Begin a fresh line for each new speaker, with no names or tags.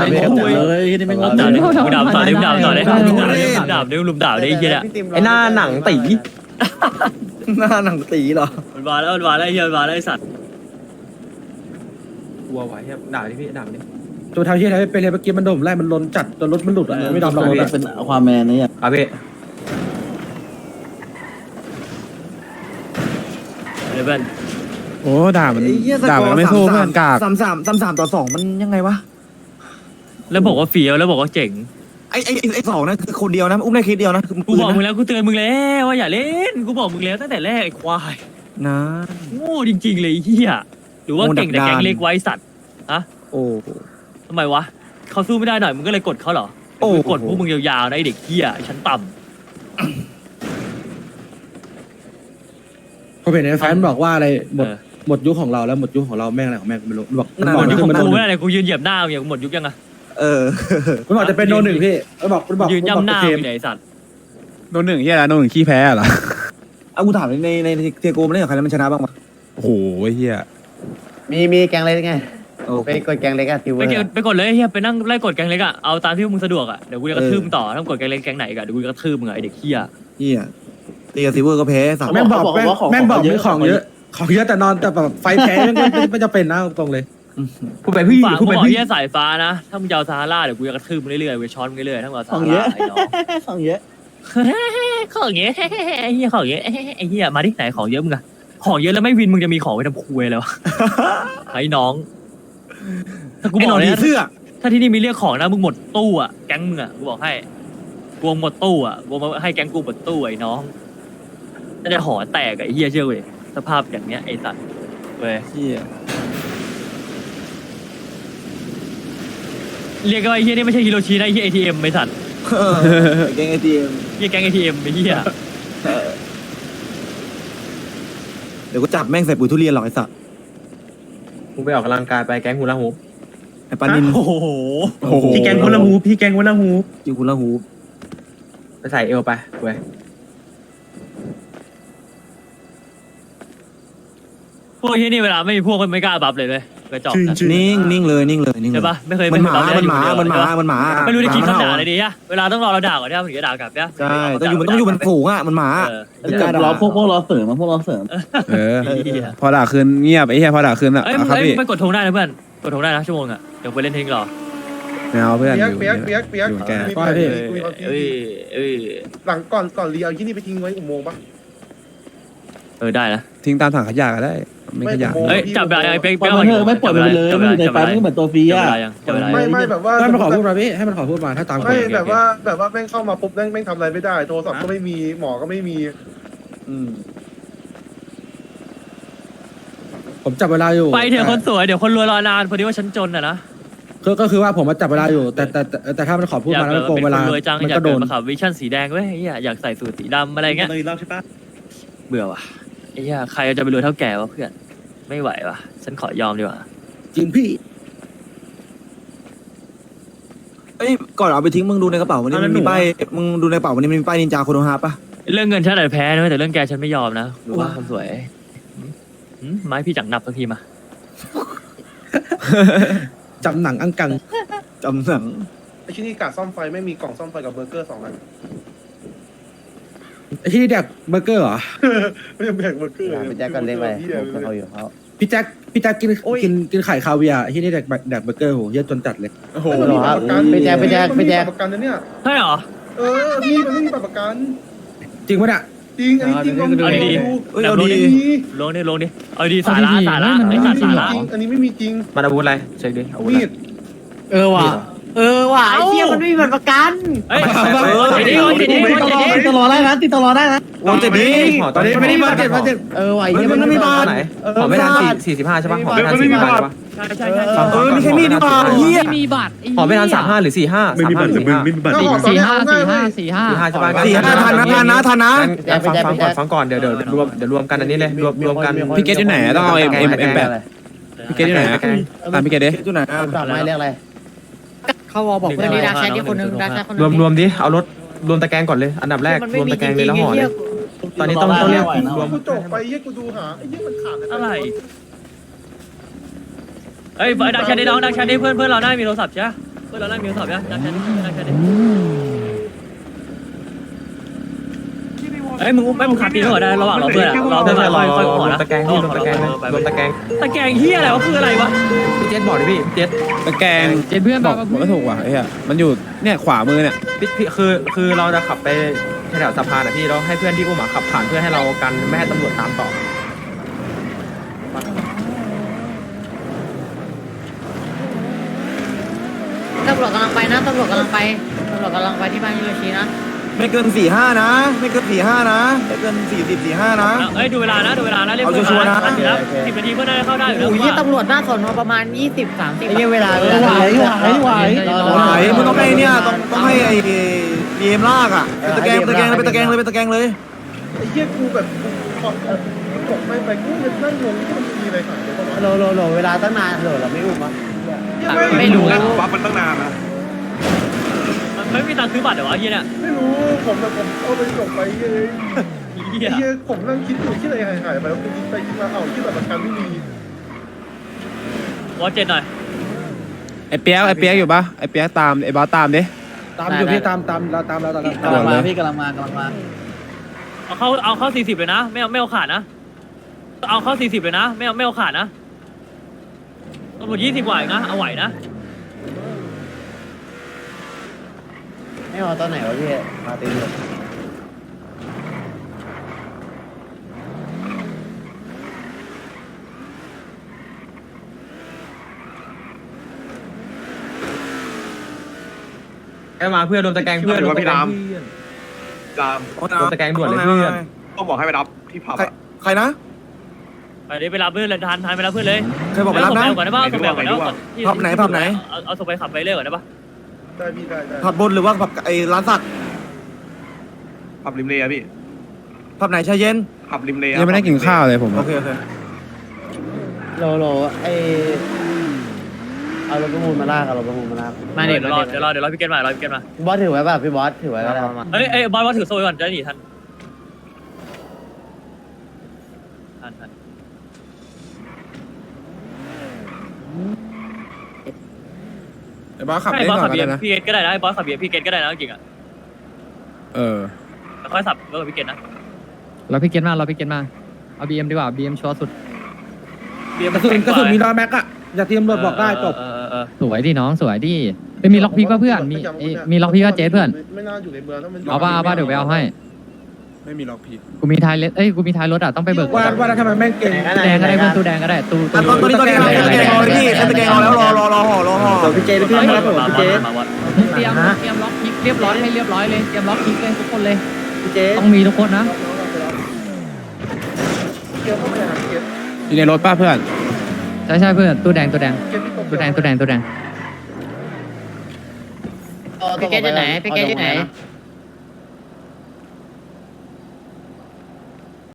เลยนี่ไม่งง
ด่าเลยมึงด่าต่อเลยมึงด่าต่อเลยด่าเลยลุมด่าเลยไอ้เหี้ย
ไอ้หน้าหนังตีหน้าหนังตีเหรอ
มันมาแล้วมันมาแล้วไอ้เหี้ยมันมาแล้วไอ้สัตว์
กลัวไว้ครับด่าดิพี่ด่าดิ
ตัวทางที่ไหนเป็นเลยเมื่อกี้มันโดนไล่มันล้นจัดจนรถมันหลุดอ่ะไม่ดำเราเป็นความแมนนี่อ่ะ
อ่ะพี่
เดี๋ยวเพื่อน
โอ้ด่ามันไม่สู้เพื่อนกาก
3-3 มันยังไงวะ
แล้วบอกว่าเฟี้ยวแล้วบอกว่าเจ๋ง
ไอ้สองนะคือคนเดียวนะอุ้มได้เคสเดียวนะ
กูบอกมึงแล้วกูเตือนมึงแล้วว่าอย่าเล่นกูบอกมึงแล้วตั้งแต่แรกไอ้ควาย
นะ
โง่จริงๆเลยไอ้เหี้ยหรือว่าเก่งแต่แกงเล็กไว้สัตว์ฮะ
โอ้
ทำไมวะเขาสู้ไม่ได้หน่อยมึงก็เลยกดเขาเหรอ
โอ้
มึงกดพวกมึงยาวๆนะไอเด็กเหี้ยชั้นต่
พอเห็นในแฟนบอกว่าอะไร
ำ
หมดยุคของเราแล้วหมดยุคของเราแม่งอะไรของแม่งไม่รู้บอก
หมดยุคของ
มัน
กูไม่ได้เลยกูยืนเหยียบหน้ามึงอย่างหมดยุคยังอะ
มันบอกจะเป็นโนหนึ่งพี่มันบอก
ยืนย่ำหน้ามึงไหนไอ้สัตว์
โดนหนึ่งเฮียแล้วโดนหนึ่งขี้แพ้เหรอ
เอากูถามในเทโกมันเล่นกับใครแล้วมันชนะบ้างปะ
โอ้โหเฮีย
มีแกงเล็กไงไปกดแกงเล็กอะทิว
ไปกดเลยเฮียไปนั่งไล่กดแกงเล็กอะเอาตามที่มึงสะดวกอะเดี๋ยวกูจะกระทืบมึงต่อถ้ากดแกงเล็กแกงไหนกันเดี๋ยวกูจะกระทืบมึงไอเด็กเหี้ย
เฮียตีกับซิเวอร์ก็แพ้สัตว์
แม่งบอกมีของเยอะแต่นอนแต่แบบไฟแพ้ไม่จะเป็นนะตรงเลย
พูดไปพี่
ฝาก
พู
กู
ดไป
บอก
พี่
เฮียสายฟ้านะถ้ามึงจะเอาซาฮาราเดี๋ยวกูจะกระทืบมึงเรื่อยๆกูช้อนมึงเรื่อยๆถ้ามึงเอาซาฮาราไอ้น้อง
ของเยอะ
ของเยอะไอ้เฮียของเยอะไอ้เฮียมาดิไหนของเยอะมึงอะของเยอะแล้วไม่วินมึงจะมีของไปทำคุยแล้วไอ้น้องถ้ากู
ไอ้
บ
หน
อ
อก น
เลย
ผีเสื้อ
ถ้าที่นี่มีเรียกของนะมึงหมดตู้อะแก๊งมึงอะกูบอกให้กวงหมดตู้อะกวงมาให้แก๊งกูหมดตู้ไอ้น้องน่าจะหอแตกไอ้เฮียเชื่อเว้ยสภาพอย่างเนี้ยไอ้สัตว์เว้ย
เฮีย
เรียกว่าไอ้เฮียนี่ไม่ใช่ฮิโรชินะไอ้เฮีย ATM ไอ้สัตว์
แกงไอทีเอ็ม
เฮียแก๊ง ATM ไอ้เฮีย
เดี๋ยวกูจับแม่งใส่ปุ๋ยทุเรียนหรอกไอ้สัตว์
กูไปออกกำลังกายไปแก๊งฮูลาฮูป
ไอ้ปานิน
โอ้โห
โอ้โห
พี่แก๊งฮูลาฮูปพี่แก๊งฮูลาฮูป
จิวคุณละหู
ไปใส่เอวไปเว้ย
พวกเฮียนี่เวลาไม่มีพวกก็ไม่กล้าบัฟเลยกระจอกนะ
นิ่งเลยเลย
ใช่ปะไม่เคย
มันหมา
บัฟเลย
มันหมา
ไม่รู้จะคิดคำด่าอะไรดีอะเวลาต้องรอเราด่าก่อนเนี่ยมันถึงจะด่ากลับเนี่ย
ใช่ต้องอยู่มันฝูงอ่ะมันหมา
เราพวกเราเสริมพวกเราเสริม
เออพอด่าคืนเงียบไอ้เฮียพอด่าคืนอ่ะ
เอ้ย
ครับพี่
ไปกดธงได้นะเพื่อนกดธงได้นะชั่วโมงอะเดี๋ยวไปเล่นเทงรอ
ไม่เอาเพื่อนอยู่
เปียก
อยู่แก
เอ้ย
หลังก่อนเรียวที่นี่ไปทิ้งไว้อุโมงค์ปะ
ได้นะ
ทิ้งตามถังขยะก็ได้ไม่ขยะ
เอ้ยจับเวลาไป
ปล่อยมันเถอะไม่ปล่อยมันไปเลยไม่อยู่ในไฟไม่เหมือนตัวฟรีอ่ะ
ไม่แบบว่า
ให้มันขอพูดมาพี่ให้มันขอพูดมาถ้าตาม
ไม่แบบว่าแม่งเข้ามาปุ๊บแม่งทำอะไรไม่ได้โทรศัพท์ก็ไม่มีหมอก็ไม่มี
ผมจับเวลาอยู่
ไปเถอะคนสวยเดี๋ยวคนรวยรอนานพอดีว่าฉันจนอะนะ
ก็คือว่าผมมาจับเวลาอยู่แต่ถ้ามันขอพูด
อยาก
มาแล้วมันโกง
เป็น
เว
ค
ลาน
รวยจัง
มัน
อยาก
ก็โด
เกิด
น
มาขับวิชั่นสีแดงเว้ยอยากใส่สูทสีดำอะไรเงี้ย
เลยรอบใช่ปะ
เบื่อว่ะไอ้เหี้ยใครจะไปรวยเท่าแก่วะเพื่อนไม่ไหวว่ะฉันขอยอมดีกว่า
จริงพี่
เอ้ยก่อนเอาไปทิ้งมึงดูในกระเป๋าวันนี้มันมีป้ายมึงดูในกระเป๋าวันนี้มันมีป้ายนินจาโคโนฮาปะ
เรื่องเงินฉันอาจจะแพ้นะแต่เรื่องแกฉันไม่ยอมนะรู้ว่าคนสวยไม้พี่จังนับสักทีมา
จำหนังอังกัง
จำหนัง
ไอ้ที่นี่กาดซ่อมไฟไม่มีกล่องซ่อมไฟกับเบอร์เกอร์2 อัน
ไอ้ที่นี่แดกเบอร์เกอร์เหรอ
ไม่ได้แบ่งเบอร์เกอร์
ไปแจ็คกันเล็กไปเขาอยู่เขา
พี่แจ็คกินไข่คาเวียร์ไอ้ที่นี่แดกเบอร์เกอร์โหเยอะจนจัดเลย
โอ้โห
มันมีบัตรประกัน
ไปแจ็ค
มันมีบัตรประกันนะเนี่ย
ใช่เหรอ
นี่มันไม่มีบัตรประกัน
จริงปะเนี่ย
จริงอันนี้จริงลองดู
เอาดี
เอ้ยเอาดี
ลงดิเอาดีสาระไอ้สัตว์สาระ
จริงอันนี้ไม่มีจริง
มันอาวุธอะไรเช็คดิอาวุธ
มีด
ว่ะไอ้เหี้ยมันไม่มีบัตรประกัน
เฮ้ยไอ้นี่
ติดตลอดได้นะติดตลอดได้นะ
โอ้เจ็ดดี
ตอนนี้
ไม่ได้มาเจ็ด
ว่ะไอ้เหี้ยมันไม่มีบัตร
ไหนหอไม่ทัน45ใช่ปะหอไม่ทัน45ใช่ปะ
ใช่
ไม่ใช่มีดดีกว่าเฮีย
ไม่มีบัตร
หอไม่ทัน35หรือ45
ไม่มีบัตร
35
ไม่มีบัตร
ถ้าหอตอนนี้เอาง่ายเว้ย
45ใช่ปะ
ทันนะ
ฟังก่อนเดี๋ยวรวมกันอันนี้เลยรวมกัน
พี่เกตที่ไหนต้องเอาM8พี่เกตที่ไหนตามพี่เกตดิ
จุดไหน
กลับมาเรียกอะไร
เขาวอบอกเพื่อน
ดักแชทที่คนนึงดักแชทคนนึง
รวมดิเอารถรวมตะแกรงก่อนเลยอันดับแรกรวมตะแกรงเลยแล้วห่อเลยตอนนี้ต้องเรียกรวม
กูจบไปเยี่ยกูดูหาไอ้เยี่ยมันขาด
อะไรเฮ้ยดักแชทได้น้องดักแชทได้เพื่อนเราได้มีโทรศัพท์ใช่ไหมพื่อนเราไล่มิวสอบยังจับแค่นี้จับแค่นี้เอ้ยมึงไม่มึงขาดตีนก่อนได้ระหว่างเราเพื่อนเราเพื่อนค่อยๆขอนะ
ตะแกรงที่ลงตะแกรงลงตะแกรง
ตะแกรงเฮียอะไรวะคืออะไรวะ
พี่เจษบอกดิพี่เจษ
ตะแกรงเจ็ดเพื่อนบอกผมก็ถูกว่ะไอ้เหี้ยมันอยู่เนี่ยขวามือเนี่ย
พี่คือเราจะขับไปแถวสะพานอ่ะพี่เราให้เพื่อนที่อุ้มขับผ่านเพื่อให้เรากันไม่ให้ตำรวจตามต่อ
ตำรวจกำลังไปนะตำรวจกำลังไปที่บ้านยูโรชินะ
ไม่เกิน4-5นะไม่เกิน4-5นะไม่เกิน40-45นะ
เอ้ยดูเวลานะเรียก
เอา
เพื่อน
ชัวร์ๆนะ
ทันอยู่แล้ว10 นาทีเพื่อนได้เข้าได้อยู่แล้ว
โอ้ยตำรวจหน้าสอนอประมาณ20-30
ไอ้เนี่ยเวลา
ไหวมึงต้องให้เนี่ยต้องให้ไอ้บีเอ็มลากอ่ะเป็นตะแกรงเลยเป็นตะแกรงเลย
ไอ้เหี้ยกูแบบกูขอตกไปกูยังนั่งงงที่มันมีอะไรขายเลยปะวะ
โหลเวลาตั้งนานเราไม่อุ้มมั้ง
ไม่รู้
บัฟมันตั้งนานนะ
มันไม่มีตังค์ซื้อบัตรเหรอวะเฮียเนี่ย
ไม่รู้ผมเอาไปส่งไปเลย
เฮีย
ไอ้เหี้ยผมนั่งคิดอยู่ที่อะไรหายไปแล้วกูคิดไปคิดมาเอ้าที่แบบประกันไม่มี
วอเจ็ดหน่อย
ไอ้เปียกอยู่ปะไอ้เปียกตามไอ้บอสตามดิ
ตามอยู่พี่ตามเราตามเรา
กำลังมาพี่
เอาเข้า40เลยนะไม่เอาขาดนะเอาเข้า40เลยนะไม่เอาขาดนะตำรวจ20กว่าอีกนะเอาไหวนะ
ไม่เอาตอนไหนวะพี่มาตีเลย
แค่มาเพื่อนลงตะแกรงเพื่อนลงตะแกรง
จาม
ลงตะแกรงด่วนเลยเพื่อน
ต้องบอกให้ไปรับที่ผับอะ
ใครนะ
ไปดิไปรับเพื่อนเลยทันไปรับเพื่อนเลย
ใครบอกไปรับนะ
ส่งไปก่อนได้ป่ะส่งไปก่อนได้ป่ะ
ผับไหน
เอาส่งไปขับไปเรื่อยก่อนได้ป่ะ
ได้พี่ได้
ผับบนหรือว่าผับไอ้ร้านสัก
ผับริมเลอะพี่
ผับไหนชายเย็น
ผับริมเล
ยังไม่ได้กินข้าวเลยผม
โอเค
โหลไอเอารถประมูลมาลากเอารถประมูลมาลาก
มาเดี๋ยวรอพี่เกณฑ์มาพี่เกณฑ์มา
บอสถือไว้ป่ะพี่บอสถือไว้ก็ได้
เอ้ยบอยว่าถือโซ่ก่อนจะหนีทัน
ไอ้บอสขับ
ใช่
เล่น
บอส
ก่อ
ขั
น
บ
ก็
เบีย
ได้
ร์
นะ
พี่เกณฑ์ก็ได้นะบอสขับเบียร์พี่เกณฑ์ก็ได้นะจริงอ่ะ
เออ
ค่อยสับรถกับพี่เกณฑ์นะ
เราพี่เกณฑ์มาเอาบีเอ็มดีกว่าบีเอ็มชัวร์สุด
เบียร์
กระสุนมีน้อยแม็กอะอย่าทีมตำรวจบอกได้จบ
สวยดิน้องสวยดิไม่มีล็อกพิกป่ะเพื่อนมีล็อกพิกก็เจ๊เพื่อน
ไม่น่าอยู่ในเมืองแล้วมัน
เอาป่ะเดี๋ยวไปเอาให้
ไม่มีล็อกพี
กูมีท้ายรถอ่ะต้องไปเบิก
ว่าแล้วทำไมแม่งเก่ง
ตู้แดงก็ได้เพื่อนตู้แดงก็ได้ตู้
ตอนนี้ตะแกรงรอเลยพี่ตะแกรงรอแล้วรอห่อ
พี่เจไปขึ้นมาผมพี่เจ
เตรียมล็อกพิกเรียบร้อยให้เรียบร้อยเลยเตรียมล็อกพิกเลยทุกคนเลย
พี่เจ
ต้องมีทุกคนนะ
เกียวเข้าไปหาเกียร์
อยู่ในรถป้าเพื่อน
ใช่เพื่อนตู้แดง
เกียร์ที่ตรง
พี่เกณฑ์อยู่ไหน